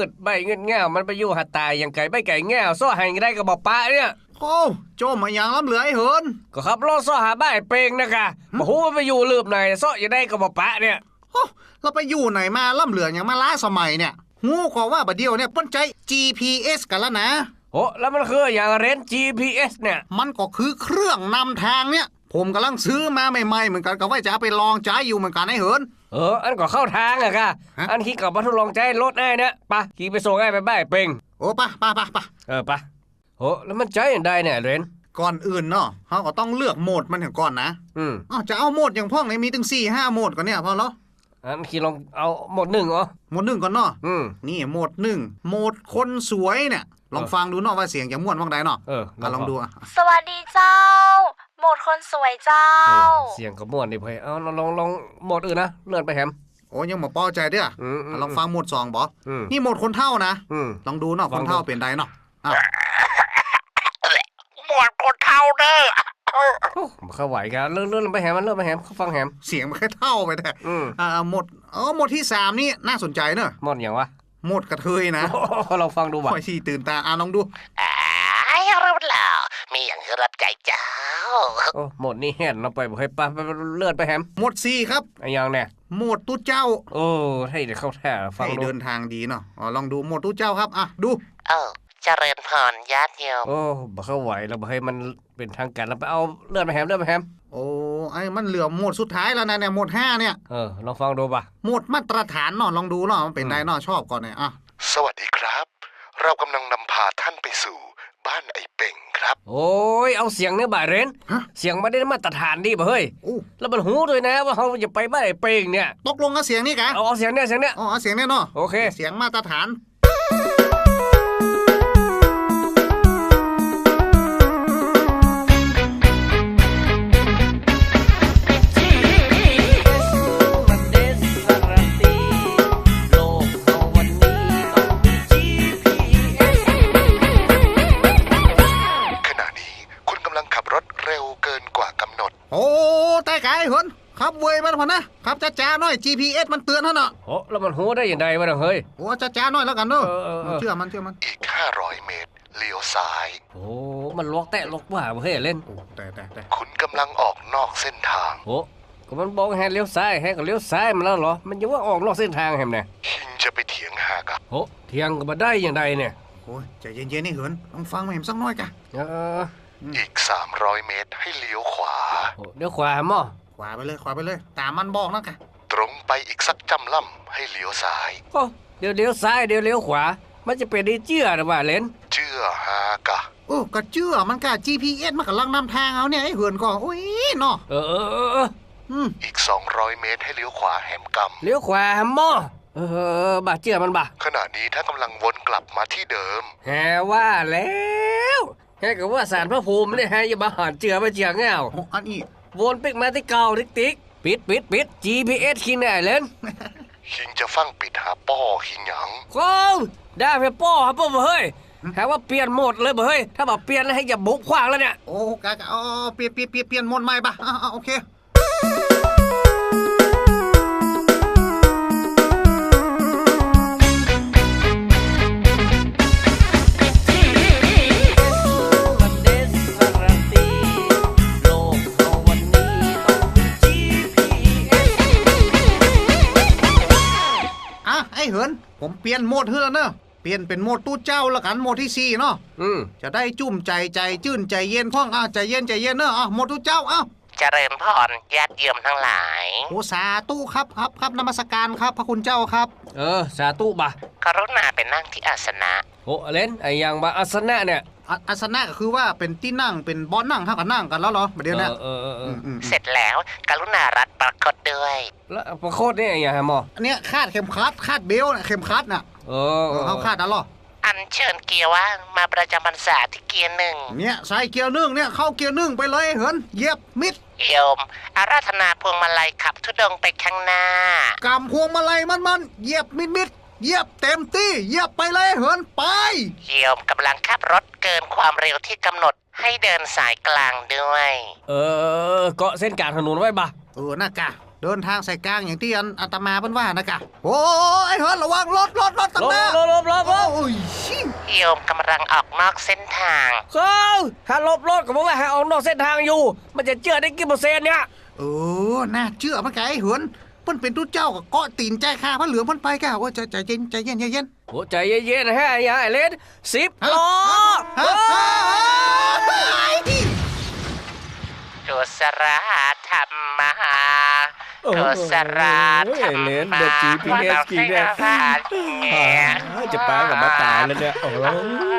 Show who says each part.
Speaker 1: ดใบเงินง่ามันไปอยู่หัดตายอย่างไก่ใบไก่ง่าซ้อให้ได้ก็บอกป้าเนี่ย
Speaker 2: โอ้โจมมาอย่างล้ำเหลือไอ้เหิน
Speaker 1: ก็ขับรถซ้อหาบ้านเปงนะคะบ่ฮู้ว่าไปอยู่ลืบไหนซ้ออย่าได้ก็บอกป้าเนี่ย
Speaker 2: โอ้เราไปอยู่ไหนมาล้ำเหลืออย่างมาล้าสมัยเนี่ยหูก็ว่าบัดเดียวเนี่ยป้นใจ GPS กันแล้วนะ
Speaker 1: โอ้แล้วมันคืออย่างเรน GPS เนี่ย
Speaker 2: มันก็คือเครื่องนำทางเนี่ยผมกำลังซื้อมาใหม่ๆเหมือนกันก็ว่าจะเอาไปลองใช้อยู่เหมือนกันไอ้เหิน
Speaker 1: อันก็เข้าทางอะค่ะอันขี่กับมาทดลองใจรถได้เนี่ยปะขี่ไปส่งให้ไปบ้านเปง
Speaker 2: โอ้ปะ
Speaker 1: ปะโอ้แล้วมันใจอย่างใดเนี่ยเรน
Speaker 2: ก่อนอื่นเนาะเขาก็ต้องเลือกโหมดมันถึงก่อนนะจะเอาโหมดอย่างพ่องเนี่ยมีถึง4-5โหมดก่อนเนี่ยพอแล้ว
Speaker 1: อันขี่ลองเอาโหมด1เหรอ
Speaker 2: โหมด1ก่อนเนาะนี่โหมด1โหมดคนสวยเนี่ยลองฟังดูเนาะว่าเสียงจะม่วนว่างใดเนาะลองดู
Speaker 3: สวัสดีเจ้าโหมดคนสวยเจ้า
Speaker 1: เสียงก็ม่วนดิเพ่เอาลองโหมดอื่นนะเลื่อนไปแฮม
Speaker 2: โอ้ยังบ่พอใจเด้อลองฟังโหมด2บ่นี่โหมดคนเฒ่านะลองดูเนาะคนเฒ่าเป็นใดเนาะ
Speaker 4: โหมดคนเฒ่าเด้อ
Speaker 1: มันเข้าไหวกันเลื่อนไปแฮมมันเลื่อนไปแฮมเขาฟังแฮม
Speaker 2: เสียงมันแค่เท่าไปแต่โหมดที่3นี่น่าสนใจเนอะ
Speaker 1: โหมดอย่างวะ
Speaker 2: โหมดกระเทยนะ
Speaker 1: เราฟังดูบ่
Speaker 2: ค่อยที่ตื่นตาลองดู
Speaker 4: รู้แล้วมีอย่างรับใจเจ้า
Speaker 1: โอ้โหมดนี้แห่นเราไปบ่ให้ป้าเลื่อนไปแฮม
Speaker 2: โหมด4ครับ
Speaker 1: ไอ้ยังเนี่ย
Speaker 2: โหมดตู้เจ้า
Speaker 1: โอ้ให้เดี๋ยวเข้าแท้ฟังดู
Speaker 2: เดินทางดีเนาะลองดูโหมดตู้เจ้าครับดู
Speaker 4: เจริญพรญาติโยม
Speaker 1: โอ้บ่เข้าไหวเราบ่ให้มันเป็นทางการเราไปเอาเลื่อนไปแฮม
Speaker 2: โอ้ไอ้มันเหลือโหมดสุดท้ายแล้วนะเนี่ยโหมด5เนี่ย
Speaker 1: ลองฟังดูป่ะ
Speaker 2: โหมดมาตรฐานเนาะลองดูเนาะมันเป็นไงเนาะชอบก่อนเนี่ย
Speaker 5: สวัสดีครับเรากำลังนำพาท่านไปสู่บ้านไอ้เป่งครับ
Speaker 1: โอ้ยเอาเสียงเนี่ยบ่าเรนเสียงไม่ได้มาตรฐานดีป่ะเฮ้ยแล้วมันหูด้วยนะว่าเขาจะไปบ้านไอ้เป่งเนี่ย
Speaker 2: ตกลงกับเสียงนี่กะ
Speaker 1: เอาเสียงเนี่ย
Speaker 2: เอาเสียงเนี่ยเนาะ
Speaker 1: โอเค
Speaker 2: เสียงมาตรฐานโอ้แต่ไกลเหินขับเวยมันพอนะขับจ้าๆหน่อย GPS มันเตือนท่านเนาะ
Speaker 1: โอ้แล้วมันหูได้อย่างไรวะเฮ้ย
Speaker 2: โอ้จ้าๆหน่อยแล้วกันเนาะเชื่อมัน
Speaker 5: อีก500เมตรเลี้ยวซ้าย
Speaker 1: โอ้มันล็อกแตะล็อกว่าเฮ้ยเล่น
Speaker 2: แต่
Speaker 5: คุณกำลังออกนอกเส้นทาง
Speaker 1: โอ้ก็มันบอกให้เลี้ยวซ้ายให้ก็เลี้ยวซ้ายมันแล้วเหรอมันยังว่าออกนอกเส้นทางแฮมเนี่ย
Speaker 5: คิงจะไปเถียงหากับ
Speaker 1: โอ้เถียงก็มาได้อย่างไรเนี่ย
Speaker 2: โอ้ยใจเย็นๆนี่เหินลองฟังมาเห็นสักน้อยกะ
Speaker 5: อีก300เมตรให้เลี้ยวขวา
Speaker 1: เลี้ยวขวามั้ง
Speaker 2: ขวาไปเลยตามมันบอกนะกะ
Speaker 5: ตรงไปอีกสักจำล่ำให้เลี้ยวซ้าย
Speaker 1: โอ้เดี๋ยวเลี้ยวซ้ายเดี๋ยวเลี้ยวขวามันจะเป็นได้เจื้อหรือว่าเล่น
Speaker 5: เจื้อหากะ
Speaker 2: โอ้ก็เจื้อมันกะ GPS มันกำลังนำทางเอาเนี่ยไอ้เหินก็โอ้ยเนาะ
Speaker 5: อีก200เมตรให้เลี้ยวขวาแหมกำ
Speaker 1: เลี้ยวขวามั้งบาเจื้อมันบ่
Speaker 5: ขณะนี้ถ้ากำลังวนกลับมาที่เดิม
Speaker 1: แฮว่าแล้วแค่กับว่าสารพระภูมิเนี่ยฮะอย่ามาหานเจือมาเจือเงา
Speaker 2: อันนี้
Speaker 1: วนปิกมาที่เก่าติ๊กปิด GPS คิงได้เล่น
Speaker 5: คิงจะฟังปิดหาป้อคิงหยัง
Speaker 1: โอ้ได้ไปป้อครับป้อเฮ้ยหาว่าเปลี่ยนโหมดเลยเฮ้ยถ้าบอกเปลี่ยนแล้วให้อย่าบุกขวางแล้วเนี่ย
Speaker 2: โอ้กะเปลี่ยนโหมดใหม่ป่ะโอเคเหินผมเปลี่ยนโหมดเฮือเนอะเปลี่ยนเป็นโหมดตู้เจ้าละกันโหมดที่4เนาะจะได้จุ่มใจจื่นใจเย็นพ่องใจเย็นเนอะโหมดตู้เจ้า
Speaker 4: เจริญพรญาติโยมทั้งหลาย
Speaker 2: โอ้สาธุครับนมัสการครับพระคุณเจ้าครับ
Speaker 1: สาธุบ่ะ
Speaker 4: กรุณาไปนั่งที่อาสนะ
Speaker 1: โอ้เล่นไอ้ยังบ่อาสนะเนี่ย
Speaker 2: อาสนะก็คือว่าเป็นที่นั่งเป็นบอลนั่งเท่ากับนั่งกันแล้วเหรอประเดี๋ยวนี้
Speaker 4: เสร็จแล้วกรุณารัดประคตด้วย
Speaker 1: แล้วประคตนี่อย่างไรหมอ
Speaker 2: อันนี้คาดเข็มขัดคาดเบลเข็มขัดน่ะเขาคาดแล้วหรอ
Speaker 4: อันเชิญเกียร์ว่างมาประจำพรรษาที่เกียร์1
Speaker 2: เนี่ยใส่เกียร์1เนี่ยเข้าเกียร์1ไปเลยเหินเหยียบมิด
Speaker 4: โยมอาราธนาพวงมาลัยขับธุดงไปข้างหน้าก
Speaker 2: ำพวงมาลัยมันเหยียบมิดเหยียบเต็มที่เหยียบไปเลยเหินไป
Speaker 4: โยมกำลังขับรถเกินความเร็วที่กำหนดให้เดินสายกลางด้วย
Speaker 1: เกาะเส้นกลางถนนไว้บ่ะ
Speaker 2: น่ากะเดินทางสายกลางอย่างที่อาตมาเพิ่นว่านะกะโอ้ยเฮิร์นระวังรถตังหน้า
Speaker 1: ลบ
Speaker 2: โอ้ยชิ
Speaker 4: โยมกำลังออกนอกเส้นทาง
Speaker 1: เขาหาลบรถก็บอกว่าหาออกนอกเส้นทางอยู่ มันจะเชื่อได้กี่เปอร์เซ็นต์เนี่ย
Speaker 2: น่าเชื่อมันไงไอ้เหินเพิ่นเป็นตู้เจ้าก็เกาะตีนใจข้าพระเหลืองเพิ่นไปกะว่าใจเย็น
Speaker 1: โอ้ใจเย็นๆฮะอย่าไอ้เล่น10 ล้อ
Speaker 2: ฮะ
Speaker 4: กุศลธรรมะกุศลธรรมะ
Speaker 1: จะปากับมาตายแล้วเนี่ยโอ้